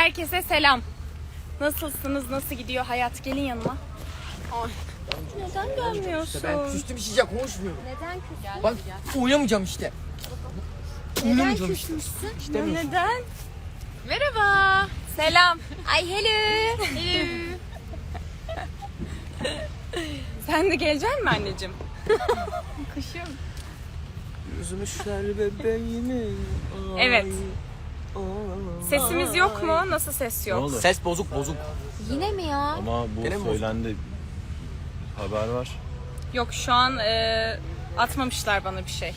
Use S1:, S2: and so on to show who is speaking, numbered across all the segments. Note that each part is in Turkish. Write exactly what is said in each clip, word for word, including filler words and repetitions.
S1: Herkese selam. Nasılsınız? Nasıl gidiyor hayat? Gelin yanıma. Ay. Neden gelmiyorsun?
S2: İşte ben küstüm şişe konuşmuyorum.
S3: Neden küstün?
S2: Bak oynamayacağım işte.
S3: Neden küsmüşsün?
S2: İşte
S1: Neden? Merhaba. Selam.
S3: Ay hello.
S1: Hello. Sen de gelecek misin anneciğim? Kuşum.
S2: Üzmüşler bebeğimi.
S1: Evet. Sesimiz yok mu? Nasıl ses yok?
S4: Ne oldu?
S2: Ses bozuk bozuk.
S3: Yine mi ya?
S4: Ama bu
S2: Gene mi
S4: söylendi. Haber var.
S1: Yok şu an e, atmamışlar bana bir şey.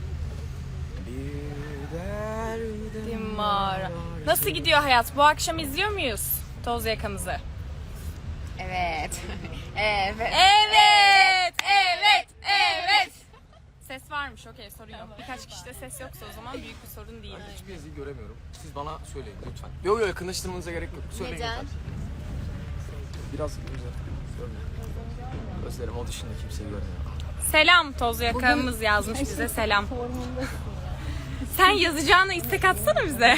S1: Dimara. Nasıl gidiyor hayat? Bu akşam izliyor muyuz Toz Yakamızı?
S3: Evet. evet.
S1: Evet, evet, evet. Ses varmış, okey, sorun yok. Birkaç kişide ses yoksa o zaman büyük bir sorun değil.
S2: Hiçbir yazıyı göremiyorum. Siz bana söyleyin lütfen. Yok yok yakınlaştırmanıza gerek yok. Söyleyin
S3: Neden?
S2: lütfen. Biraz güzel. Gözlerim o dışında kimseyi görmüyor.
S1: Selam Toz Yakamız yazmış bize, selam. Sen yazacağına istek atsana bize.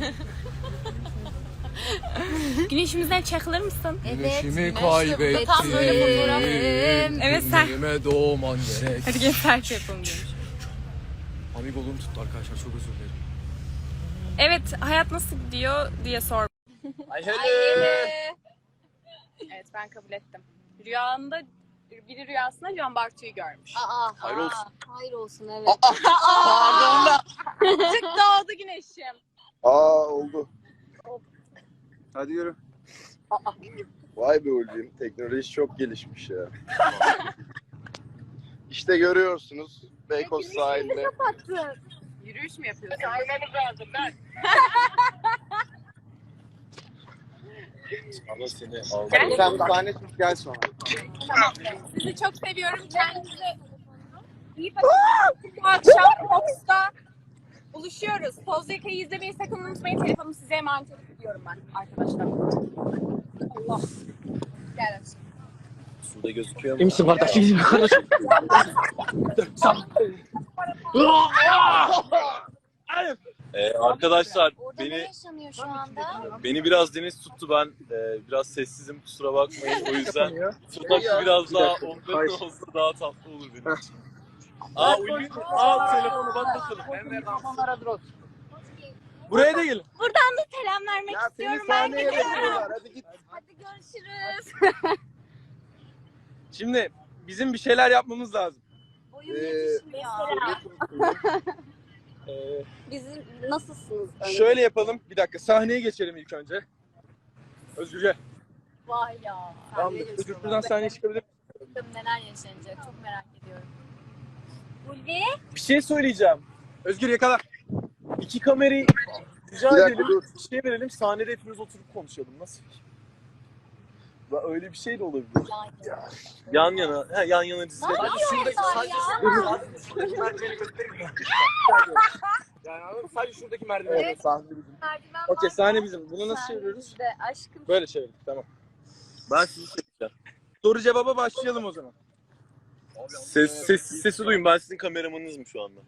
S1: Güneşimizden çakılır mısın?
S2: Güneşimi kaybettim.
S1: Tam böyle fotoğraf. Evet sen.
S2: Günlerime doğman gerek.
S1: Hadi gel selfie yapalım demiş.
S2: Amigoluğum tuttu arkadaşlar, çok özür dilerim.
S1: Evet, hayat nasıl gidiyor diye sor.
S2: Ay hele.
S1: Evet, ben kabul ettim. Rüyanda, biri rüyasında Can Bartu'yu görmüş.
S3: Aa,
S4: Hayır olsun.
S3: aa, hayır olsun evet.
S2: Pardon da.
S1: Tık doğdu güneşim.
S5: Aa oldu. Hadi yürü. Vay be Ulvi'm, teknoloji çok gelişmiş ya. İşte görüyorsunuz Beykoz sahilde.
S1: Yürüyüş mü yapıyorsun?
S4: Ama seni aldı.
S5: Sen bir tane tut gel sonra.
S1: Sizi çok seviyorum. Kendinize iyi bakın. Bu akşam Fox'ta buluşuyoruz. Toz Yaka'yı izlemeyi sakın unutmayın. Telefonumu size emanet ediyorum ben arkadaşlar. Allah. Gel aşkım.
S4: Suda gözüküyor mu?
S2: İyi misin kardeşim? İyi misin kardeşim?
S4: Ee, arkadaşlar
S3: Orada ne
S4: beni
S3: yaşanıyor şu anda?
S4: beni biraz deniz tuttu, ben e, biraz sessizim, kusura bakmayın, o yüzden sokakta biraz daha onların olsa daha tatlı olur benim için. Aa Ulvi, al telefonu bak bakalım.
S2: Buraya da gelin.
S1: Buradan da selam vermek
S5: Ya seni
S1: istiyorum. Ben
S5: sahneye
S1: gidiyorum.
S5: bekliyorlar, hadi git.
S3: Hadi görüşürüz.
S6: Şimdi bizim bir şeyler yapmamız lazım.
S3: Boyum
S5: Ee,
S3: yetişmiyor.
S6: Ee,
S3: Bizim nasılsınız? Önce?
S6: şöyle yapalım. Bir dakika sahneye geçelim ilk önce. Özgürce.
S3: Vay ya.
S6: Tamamdır. Özgür buradan sahneye çıkabilir.
S3: Bakalım neler yaşanacak çok merak ediyorum. Ulvi.
S6: Bir şey söyleyeceğim. Özgür yakala. İki kamerayı rica
S5: Bir dakika,
S6: edelim.
S5: dur.
S6: Bir şey verelim. Sahnede hepimiz oturup konuşalım. Nasıl? Ya öyle bir şey de olabilir. Yan yana. He, yan yana dizilelim.
S3: Ne yapıyorlar ya?
S6: Şuradaki merdiveni göstereyim mi? Yani anladın mı? Sadece şuradaki merdiveni.
S3: Evet.
S5: Sahne bizim.
S3: Merdiven
S6: Okey,
S3: var.
S6: sahne bizim. Bunu nasıl
S3: Sahne
S6: çeviriyoruz?
S3: bizde. Aşkım.
S6: Böyle çevirdik. Tamam.
S4: Ben sizi çekeceğim.
S6: Soru cevaba başlayalım o zaman.
S4: Ses, ses, sesi duyun, ben sizin kameramanınızım şu anda.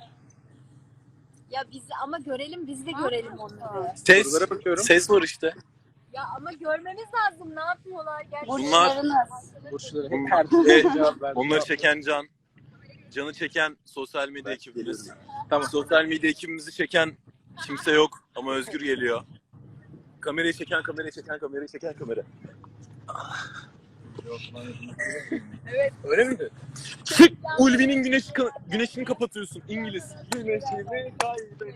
S3: Ya biz ama görelim biz de görelim onları.
S4: Ses,
S6: Sorulara bakıyorum.
S4: ses var işte.
S3: Ya ama görmemiz lazım. Ne yapıyorlar gerçekten?
S4: Bunlar-
S6: Burçları
S4: Bunlar-
S6: hep herkese
S4: Evet,
S6: cevap verdi.
S4: Onları çeken Can. Can'ı çeken sosyal medya ekibimiz.
S6: Tamam.
S4: Sosyal medya ekibimizi çeken kimse yok ama Özgür geliyor. Kamerayı çeken, kamerayı çeken, kamerayı çeken kamera.
S6: Öyle miydi?
S4: Çık! Ulvi'nin güneşi, güneşini kapatıyorsun İngiliz. Güneşimi kaybettim.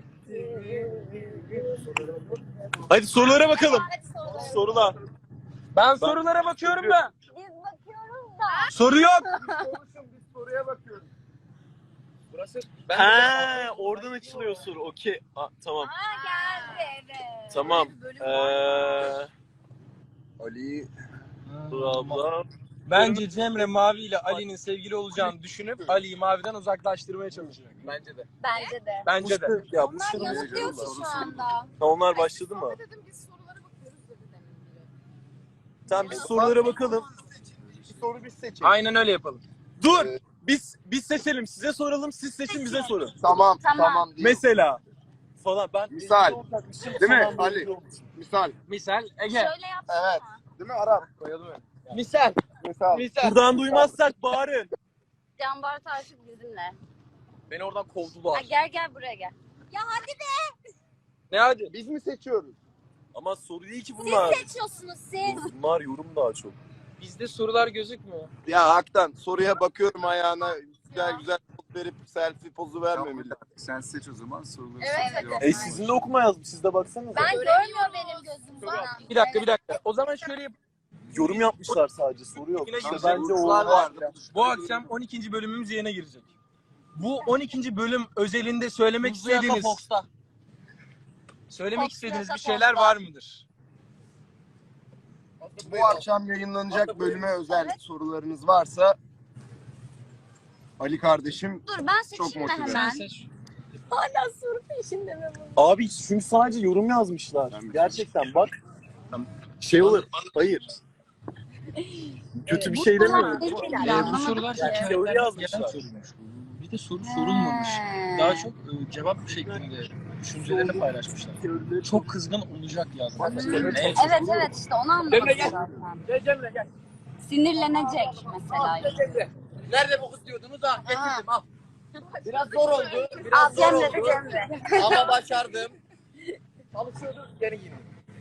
S4: Hadi sorulara bakalım. Sorular.
S6: Ben sorulara bakıyorum da.
S3: Biz bakıyoruz da.
S6: Soru yok.
S5: Biz soruya bakıyoruz.
S6: Burası.
S4: Ha, oradan açılıyor soru. Okey. Aa, tamam.
S3: Ha geldi evet.
S4: Tamam.
S3: Bölüm
S4: Ee,
S3: var.
S5: Ali.
S4: dur abla.
S6: Bence Cemre Mavi ile Ali'nin sevgili olacağını düşünüp Ali'yi Mavi'den uzaklaştırmaya çalışacak.
S2: Bence de.
S3: Bence de.
S6: Bence de.
S4: Ya bu
S3: Onlar yanıtlıyor ki şu anda.
S4: Onlar başladı mı? Tamam biz sorulara bakalım.
S5: Bir soru biz seçelim.
S6: Aynen öyle yapalım. Dur.
S5: Evet.
S6: Biz biz seçelim. Size soralım. Siz seçin bize sorun.
S5: Tamam
S3: Tamam.
S5: tamam. diyelim.
S6: Mesela
S4: falan. Ben
S5: Misal.
S4: olacakmışım,
S5: Değil mi
S4: falan böyle
S5: Ali?
S4: olmuşum.
S5: Misal.
S2: Misal Ege.
S3: Şöyle yapsana.
S5: Evet. Değil mi Arap?
S2: Koyalım öyle. Misal.
S5: Misal.
S2: Misal.
S4: Buradan duymazsak bağırın.
S3: Can Bartu artık bizimle.
S2: Beni oradan
S3: Ha,
S2: kovdular.
S3: gel gel buraya gel. Ya hadi be.
S2: Ne hadi?
S5: Biz mi seçiyoruz?
S4: Ama soru değil ki bunlar.
S3: Seçiyorsunuz siz.
S4: Bunlar yorum daha çok.
S2: Bizde sorular gözükmüyor.
S5: Ya Hak'tan soruya bakıyorum ayağına güzel güzel poz verip selfie pozu vermemeli.
S7: Sen seç o zaman soruları
S3: Evet,
S7: seç.
S3: evet.
S4: E sizin de okuma yazmış. Siz de baksanıza.
S3: Ben görmüyor benim gözüm bana.
S2: Bir dakika bir dakika. O zaman şöyle yap.
S4: Yorum yapmışlar sadece. Soru yok.
S2: Yine
S4: İşte
S2: güzel
S4: bence o
S2: sorular
S4: var.
S2: vardı. Bu akşam on ikinci bölümümüz yayına girecek. Bu on ikinci bölüm özelinde söylemek
S4: Hızlı Yaka
S2: istediğiniz
S4: Fox'ta.
S2: söylemek
S3: Fox'ta,
S2: istediğiniz bir
S3: Fox'ta.
S2: şeyler var mıdır?
S5: Bu akşam yayınlanacak bölüme özel sorularınız varsa Ali kardeşim
S3: Dur ben
S5: Çok
S3: seçeyim mi
S5: motive.
S3: hemen?
S2: seç.
S3: Hala soru peşinde mi bu?
S4: Abi çünkü sadece yorum yazmışlar. Gerçekten bak. Şey olur. Hayır. Kötü bir şey demiyorum.
S2: Ee, bu sorular
S4: Yani
S2: hikayelerden
S4: teori
S2: gelen
S4: yazmışlar.
S2: soruymuş. Bir de soru sorulmamış. Daha çok e, cevap şeklinde düşüncelerini paylaşmışlar. Çok kızgın olacak yazmışlar. Ne?
S3: Evet evet işte onu anlamadım zaten.
S2: Gel Cemre gel.
S3: Sinirlenecek mesela.
S2: Cemre. Nerede bu kız diyordunuz? Ah getirdim al. Biraz zor oldu.
S3: Al
S2: Biraz zor
S3: Cemre de
S2: oldu.
S3: Cemre.
S2: Ama başardım. Çalışıyorduk geri girdim.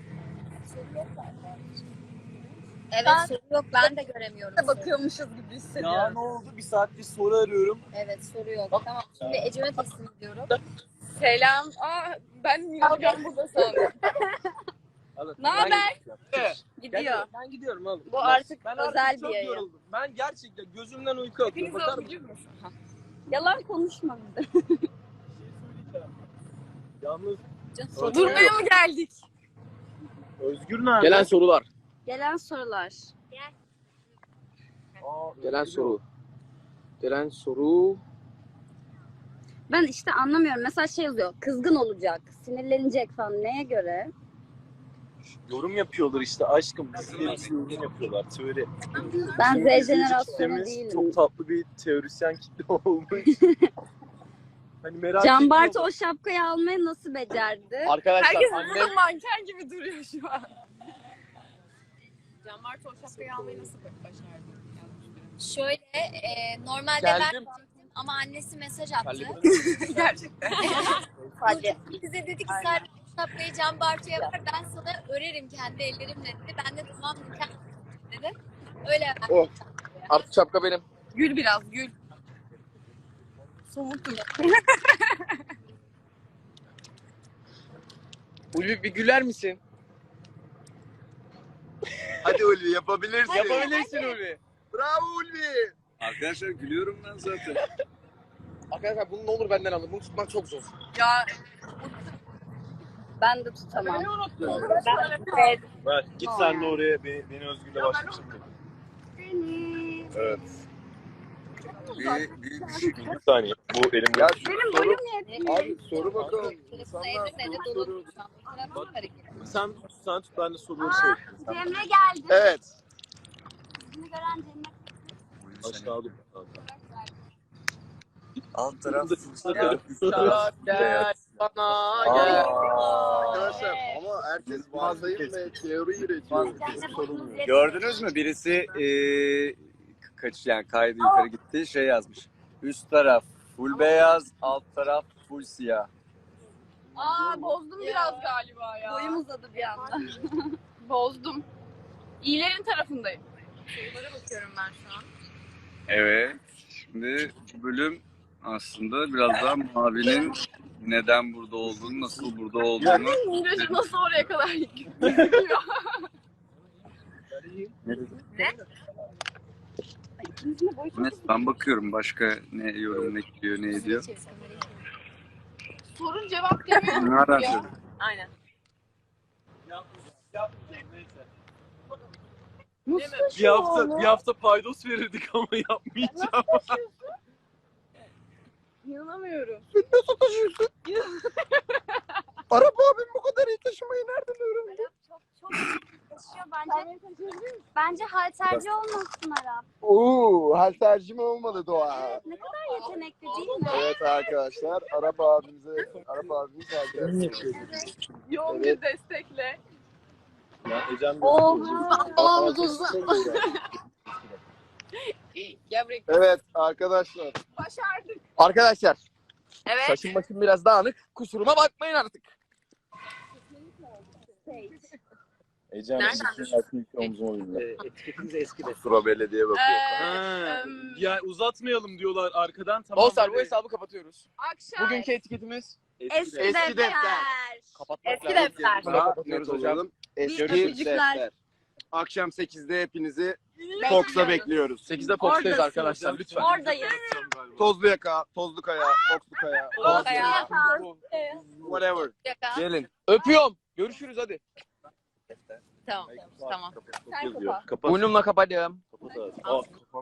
S3: Evet
S1: Ben-
S3: soru yok ben de göremiyorum. soru.
S1: Bakıyormuşuz gibi
S4: Ya
S1: hissediyorum.
S4: ne oldu? Bir saattir soru arıyorum.
S3: Evet soru yok. Tamam şimdi Ecem'e teslim ediyorum.
S1: Selam. Aa, ben Nilgün burada sandım. Ne haber? Gidiyor.
S2: Ben gidiyorum oğlum.
S1: Bu artık
S2: Ben
S1: özel
S2: artık
S1: bir
S2: çok
S1: yayın.
S2: yoruldum. Ben gerçekten gözümden uyku akıyor.
S1: Hepiniz
S2: Bakar
S1: okuyucu
S2: mısın?
S1: musun? Yalan konuşma bize.
S4: Yalnız
S1: Durmaya mı geldik?
S4: Özgür nerede?
S2: Gelen sorular.
S3: Gelen sorular.
S4: Aa,
S2: Gelen
S4: Özgür
S2: soru. Gelen soru.
S3: Ben işte anlamıyorum. Mesela şey yazıyor. Kızgın olacak, sinirlenecek falan. Neye göre?
S4: yorum yapıyorlar işte aşkım. Bizleri bize yorum yapıyorlar. Teori.
S3: Ben
S4: Bizim
S3: Z
S4: izleyici
S3: jenerasyonu
S4: kitlemiz
S3: değilim.
S4: Çok tatlı bir teorisyen kitle olmuş. Hani merak
S3: Can Bartu
S4: ediyorum.
S3: o şapkayı almayı nasıl becerdi?
S2: Arkadaşlar
S1: Herkes
S2: annem
S1: burada manken gibi duruyor şu an. Can Bartu o şapkayı almayı nasıl başardı?
S3: Şöyle e, normalde
S2: Geldim.
S3: ben ama annesi mesaj attı.
S1: Gerçekten.
S3: Hadi. Bize dedi ki sen bu şapkayı Can Bartu'ya ver ben sana örerim kendi ellerimle dedi. Ben de tamam mükemmel dedi. Öyle verdim.
S5: Oh.
S2: artık şapka benim.
S1: Gül biraz gül. Soğuktum.
S2: Ulvi bir güler misin?
S5: hadi Ulvi yapabilirsin.
S2: Yapabilirsin Ulvi.
S5: Bravo Ulvi.
S7: Arkadaşlar gülüyorum ben zaten.
S2: Arkadaşlar bunu ne olur benden alın. Bunu tutmak çok zor.
S1: Ya
S3: Ben de tutamam.
S1: evet.
S4: Ver, git sen de oraya beni, beni Özgür'le başla şimdi.
S5: Evet.
S7: Bir, bir, bir şey.
S4: Bir saniye. Bu elimde.
S5: Ya
S3: Benim
S5: soru,
S3: boyum yetmiyor.
S5: abi soru bakalım.
S3: Telefonu
S5: İnsanlar
S3: evde
S5: soru
S3: dolu.
S5: soruyor.
S3: Telefon hareket.
S4: Sen, sen tut ben de soruları şey yapayım.
S3: Cemre geldi.
S5: Evet.
S3: Bizi gören Cemre.
S4: Aşağıda.
S7: Alt taraf
S4: Sakat.
S2: Gel bana gel.
S5: Arkadaşlar ama herkes varsayım ve teori üretiyor. Sorulmuyor.
S7: Gördünüz mü? Birisi eee kaç yani kaydı yukarı gitti şey yazmış. Üst taraf full beyaz, alt taraf full siyah.
S1: Aa bozdum biraz galiba ya.
S3: Boyum uzadı bir anda.
S1: Bozdum. İyilerin tarafındayım. Sorulara bakıyorum ben şu an.
S7: Evet. Şimdi bu bölüm aslında biraz daha Mavi'nin neden burada olduğunu, nasıl burada olduğunu.
S1: Miraç'ı nasıl oraya kadar gidiyor?
S7: Evet, ben bakıyorum başka ne yorum ne diyor, ne ediyor.
S1: Sorun cevap demiyor.
S7: Nereden
S1: Ya.
S7: söylüyor?
S1: Aynen.
S4: Bir hafta, bir hafta paydos verirdik ama yapmayacağım.
S1: İnanamıyorum.
S5: Nasıl taşıyorsun? Arap abim bu kadar iyi taşımayı nereden öğrendi?
S3: Çok çok çalışıyor bence. Bence halterci olmasın Arap.
S5: Oo, halterci mi olmalı Doğa?
S3: Ne kadar yetenekli değil mi?
S5: Evet arkadaşlar, Arap abimize, Arap abimiz halterci.
S1: Yoğun
S5: Evet.
S1: bir destekle.
S4: Ya Ecem de
S3: Oha.
S1: Gel buraya.
S5: Evet arkadaşlar.
S1: Başardık.
S5: Arkadaşlar,
S1: Evet.
S5: saçım başım biraz dağınık. Kusuruma bakmayın artık.
S4: Ecem
S1: Nereden?
S4: sizin aklını iki omzuma bindi.
S2: Etiketiniz eski de.
S5: Kusura belediye bakıyor.
S4: Ha,
S1: Em,
S4: ya uzatmayalım diyorlar arkadan tamam.
S5: Dostlar bu
S4: böyle
S5: hesabı kapatıyoruz.
S1: Akşam.
S5: Bugünkü etiketimiz
S3: Eski,
S5: Eski
S3: defter.
S5: defter. kapatmak
S1: Eski
S5: lazım.
S1: defter.
S5: Bunu da kapatıyoruz hocam. Eski
S3: öpücükler.
S5: defter. Akşam sekizde hepinizi Fox'a bekliyoruz. sekizde
S3: Fox'tayız
S5: arkadaşlar lütfen.
S3: Oradayız.
S5: Tozlu yaka, tozlu kaya, Fox'lu kaya.
S1: Tozlu kaya.
S5: Whatever.
S3: Yaka.
S5: Gelin. Öpüyorum. Görüşürüz hadi.
S1: Tamam. Tamam. Sen
S4: yazıyor.
S1: kapat.
S4: Kapat.
S5: Burnumla kapatıyorum.
S4: Kapat abi. Aa,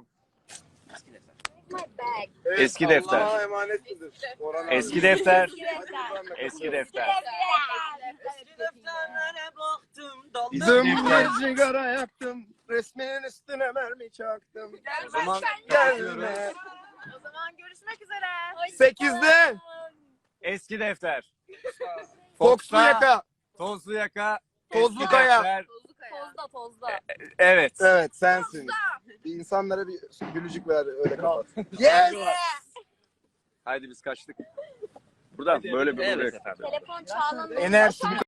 S3: My bag.
S7: Eski defter.
S5: Allah'a emanet midir? Orhan abi.
S7: Eski defter.
S3: Eski defter.
S7: Eski defter.
S5: Bizim bir sigara yaktım. Resminin üstüne mermi çaktım.
S1: Gel
S5: O zaman
S1: sen
S5: gelme.
S1: O zaman görüşmek üzere.
S5: sekizde
S7: Eski defter.
S5: Fox'lu yaka.
S7: Tozlu yaka.
S5: Tozlu
S7: eski
S5: kaya.
S7: defter.
S1: Tozlu kaya. Tozda tozda.
S7: Evet.
S5: Evet sensin. Bir insanlara bir gülücük ver öyle kapat. Yes!
S7: Haydi biz kaçtık. Buradan böyle bir buraya kadar.
S3: Telefon çağlandı.
S5: Enerjimi